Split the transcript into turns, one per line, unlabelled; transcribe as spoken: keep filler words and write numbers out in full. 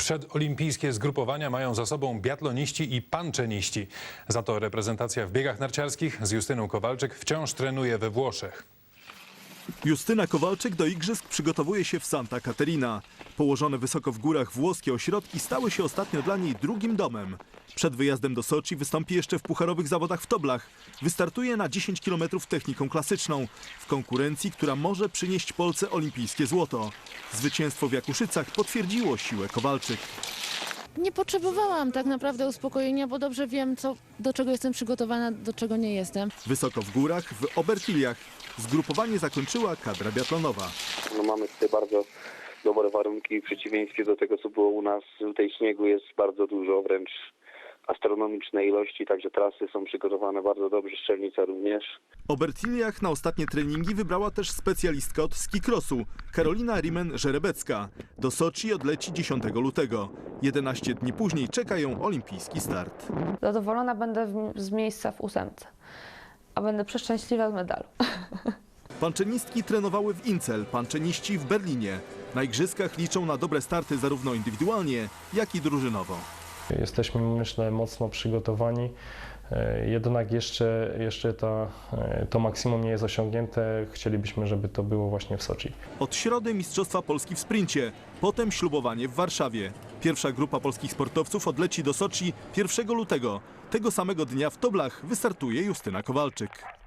Przedolimpijskie zgrupowania mają za sobą biatloniści i panczeniści. Za to reprezentacja w biegach narciarskich z Justyną Kowalczyk wciąż trenuje we Włoszech.
Justyna Kowalczyk do igrzysk przygotowuje się w Santa Caterina. Położone wysoko w górach włoskie ośrodki stały się ostatnio dla niej drugim domem. Przed wyjazdem do Soczi wystąpi jeszcze w pucharowych zawodach w Toblach. Wystartuje na dziesięć kilometrów techniką klasyczną, w konkurencji, która może przynieść Polsce olimpijskie złoto. Zwycięstwo w Jakuszycach potwierdziło siłę Kowalczyk.
Nie potrzebowałam tak naprawdę uspokojenia, bo dobrze wiem, co, do czego jestem przygotowana, do czego nie jestem.
Wysoko w górach, w Obertiliach. Zgrupowanie zakończyła kadra biatlonowa.
No mamy tutaj bardzo dobre warunki w przeciwieństwie do tego, co było u nas. Tutaj śniegu jest bardzo dużo, wręcz astronomiczne ilości, także trasy są przygotowane bardzo dobrze, Strzelnica również.
W Obertiliach na ostatnie treningi wybrała też specjalistka od skicrossu, Karolina Rimen-Żerebecka. Do Soczi odleci dziesiątego lutego. jedenaście dni później czeka ją olimpijski start.
Zadowolona będę w, z miejsca w ósemce, a będę przeszczęśliwa z medalu.
Panczenistki trenowały w Incel, panczeniści w Berlinie. Na igrzyskach liczą na dobre starty zarówno indywidualnie, jak i drużynowo.
Jesteśmy, myślę, mocno przygotowani, jednak jeszcze, jeszcze ta, to maksimum nie jest osiągnięte. Chcielibyśmy, żeby to było właśnie w Soczi.
Od środy Mistrzostwa Polski w sprincie, potem ślubowanie w Warszawie. Pierwsza grupa polskich sportowców odleci do Soczi pierwszego lutego. Tego samego dnia w Toblach wystartuje Justyna Kowalczyk.